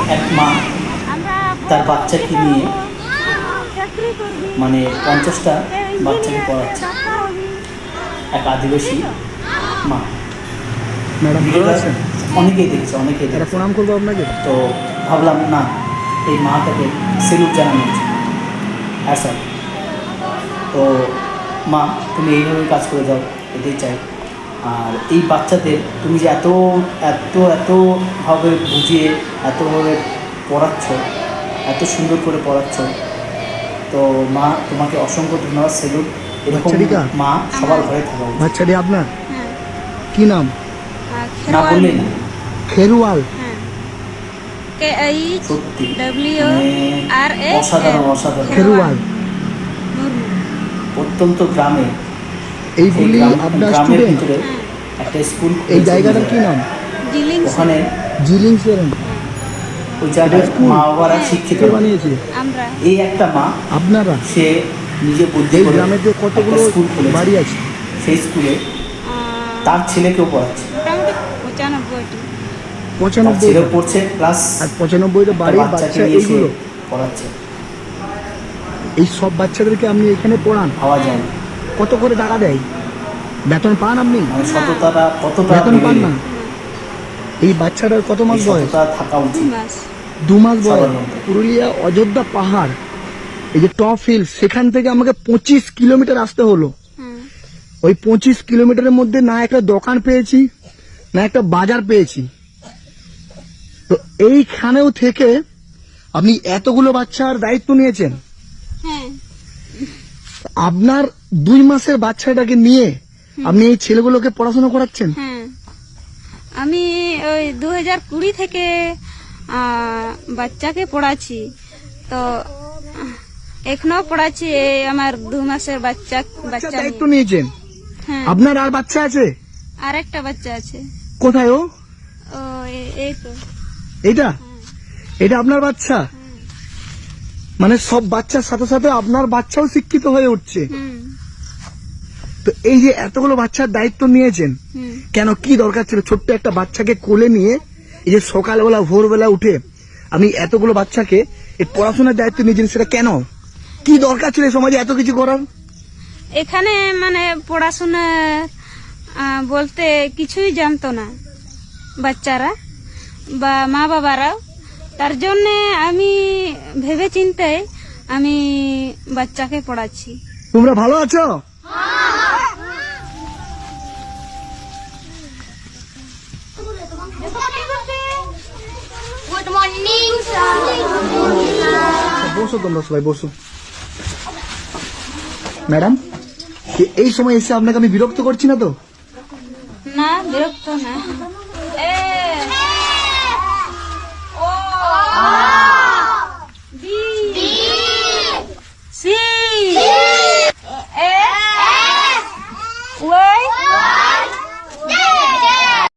এক মা তার বাচ্চাকে নিয়ে মানে 50টা বাচ্চাকে পড়াচ্ছে, এক আদিবাসী মা। ম্যাডাম অনেকেই দেখেছে, অনেকেই দেখেছে। প্রণাম করবো আপনাকে। তো ভাবলাম না, এই মাটাকে সেলুট জানানো উচিত। হ্যাঁ স্যার। তো মা, তুমি এইভাবে কাজ করে যাও, এটাই চাই। আর এই বাচ্চাদের তুমি যে এত এত এতভাবে বুঝিয়ে এতভাবে পড়াচ্ছ, এত সুন্দর করে পড়াচ্ছ, তো মা তোমাকে অসংখ্য ধন্যবাদ, সেলুট। এরকম মা সবার ঘরে থাকা উচিত। বাচ্চাটি আপনার কি নাম? না বললেই না। খেরওয়াল। সত্যি KHWRA অসাধারণ অসাধারণ। খেরওয়াল অত্যন্ত গ্রামে, এইগুলি আপনার গ্রামের স্টুডেন্ট। ভিতরে একটা স্কুল। এই জায়গাটার কি নাম? ওখানে জিলিং সেরেন। ওই জায়গায় মা বাবারা শিক্ষিত বানিয়েছে। এই একটা মা, আপনারা সে নিজে বুদ্ধি এই করে গ্রামের যে কতগুলো স্কুল খুলেছে, বাড়ি আছে, সেই স্কুলে তার ছেলেকেও পড়াচ্ছে। 95 ছেলে পড়ছে প্লাস, আর 95টা বাড়ির বাচ্চা এইগুলো পড়াচ্ছে। এই সব বাচ্চাদেরকে আপনি এখানে পড়ান? ভাবা যায় না। কত করে টাকা দেয়? বেতন পান আপনি? মানে সততাটা কতটা বেতন পান না? এই বাচ্চাটার কত মাস বয়স? থাকা উচিত 2 মাস বয়স। পুরুলিয়া অযোধ্যা পাহাড়, এই যে টপ হিল, সেখান থেকে আমাকে 25 কিলোমিটার আসতে হলো। ওই 25 কিলোমিটারের মধ্যে না একটা দোকান পেয়েছি, না একটা বাজার পেয়েছি। তো এইখানেও থেকে আপনি এতগুলো বাচ্চার দায়িত্ব নিয়েছেন। আপনার 2 মাসের বাচ্চাটাকে নিয়ে আপনি এই ছেলেগুলোকে পড়াশোনা করাচ্ছেন? আমি ওই 2020 থেকে বাচ্চাকে পড়াচ্ছি, তো এখনো পড়াচ্ছি। আমার 2 মাসের বাচ্চা দায়িত্ব নিয়েছেন। আপনার আর বাচ্চা আছে? আর একটা বাচ্চা আছে। কোথায় ও? এই তো এটা এটা আপনার বাচ্চা? মানে সব বাচ্চার সাথে সাথে আপনার বাচ্চাও শিক্ষিত হয়ে উঠছে। তো এই যে এতগুলো বাচ্চার দায়িত্ব নিয়েছেন, কেন, কি দরকার ছিল? ছোট্ট একটা বাচ্চাকে কোলে নিয়ে এই যে সকালবেলা ভোরবেলা উঠে আপনি এতগুলো বাচ্চাকে এই পড়াশোনার দায়িত্ব নিয়েছেন, সেটা কেন? কি দরকার ছিল সমাজে এত কিছু করার? এখানে মানে পড়াশোনা বলতে কিছুই জানতো না বাচ্চারা বা মা বাবারাও। তার জন্য আমি ভেবে চিন্তে আমি বাচ্চাকে পড়াচ্ছি। তোমরা ভালো আছো? গুড মর্নিং বসো, তোমরা সবাই বসো। ম্যাডাম, এই সময় এসে আপনাকে আমি বিরক্ত করছি না তো? না, বিরক্ত না।